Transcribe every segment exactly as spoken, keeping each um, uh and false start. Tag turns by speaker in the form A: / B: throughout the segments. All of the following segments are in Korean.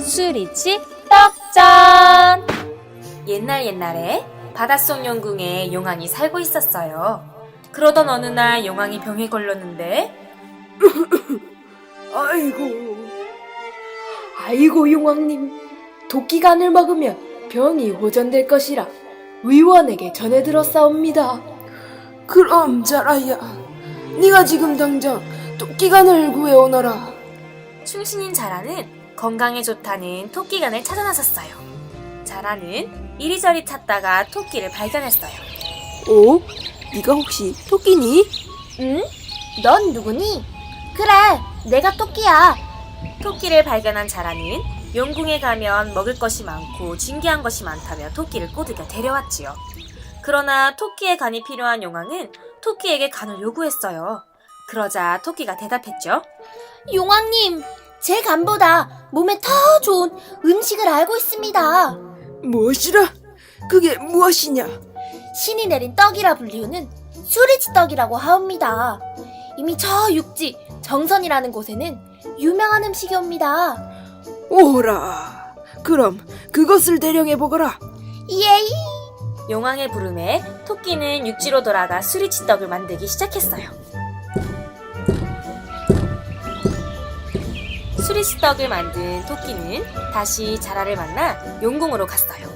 A: 수리치 떡전! 옛날 옛날에 바닷속 용궁에 용왕이 살고 있었어요. 그러던 어느 날 용왕이 병에 걸렸는데
B: 아이고, 아이고 용왕님, 도끼간을 먹으면 병이 호전될 것이라 의원에게 전해 들었사옵니다. 그럼 자라야, 네가 지금 당장 도끼간을 구해오너라.
A: 충신인 자라는 건강에 좋다는 토끼간을 찾아 나섰어요. 자라는 이리저리 찾다가 토끼를 발견했어요.
B: 오? 네가 혹시 토끼니?
C: 응? 넌 누구니? 그래, 내가 토끼야.
A: 토끼를 발견한 자라는 용궁에 가면 먹을 것이 많고 진귀한 것이 많다며 토끼를 꼬드겨 데려왔지요. 그러나 토끼의 간이 필요한 용왕은 토끼에게 간을 요구했어요. 그러자 토끼가 대답했죠.
C: 용왕님, 제 간보다 몸에 더 좋은 음식을 알고 있습니다.
B: 무엇이라? 그게 무엇이냐?
C: 신이 내린 떡이라 불리우는 수리치 떡이라고 하옵니다. 이미 저 육지 정선이라는 곳에는 유명한 음식이옵니다.
B: 오라, 그럼 그것을 대령해보거라.
C: 예이!
A: 용왕의 부름에 토끼는 육지로 돌아가 수리치떡을 만들기 시작했어요. 수리치떡을 만든 토끼는 다시 자라를 만나 용궁으로 갔어요.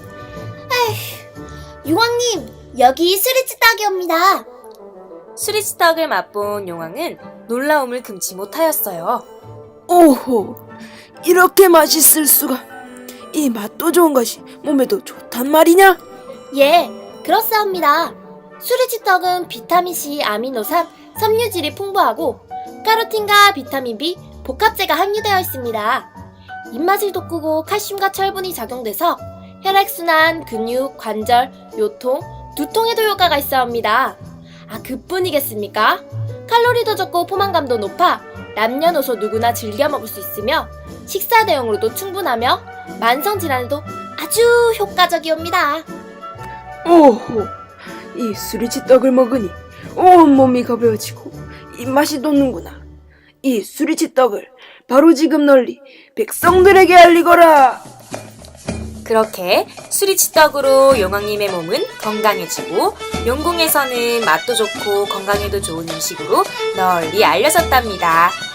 C: 용왕님, 여기 수리치 떡이옵니다.
A: 수리치떡을 맛본 용왕은 놀라움을 금치 못하였어요.
B: 오호, 이렇게 맛있을 수가. 이 맛도 좋은 것이 몸에도 좋단 말이냐?
C: 예, 그렇사옵니다. 수리치 떡은 비타민C, 아미노산, 섬유질이 풍부하고 카로틴과 비타민 B, 복합제가 함유되어 있습니다. 입맛을 돋구고 칼슘과 철분이 작용돼서 혈액순환, 근육, 관절, 요통, 두통에도 효과가 있어옵니다. 아, 그뿐이겠습니까? 칼로리도 적고 포만감도 높아 남녀노소 누구나 즐겨 먹을 수 있으며 식사 대용으로도 충분하며 만성질환에도 아주 효과적이옵니다.
B: 오호, 이 수리치 떡을 먹으니 온몸이 가벼워지고 입맛이 돋는구나. 이 수리치 떡을 바로 지금 널리 백성들에게 알리거라.
A: 그렇게 수리치떡으로 용왕님의 몸은 건강해지고 용궁에서는 맛도 좋고 건강에도 좋은 음식으로 널리 알려졌답니다.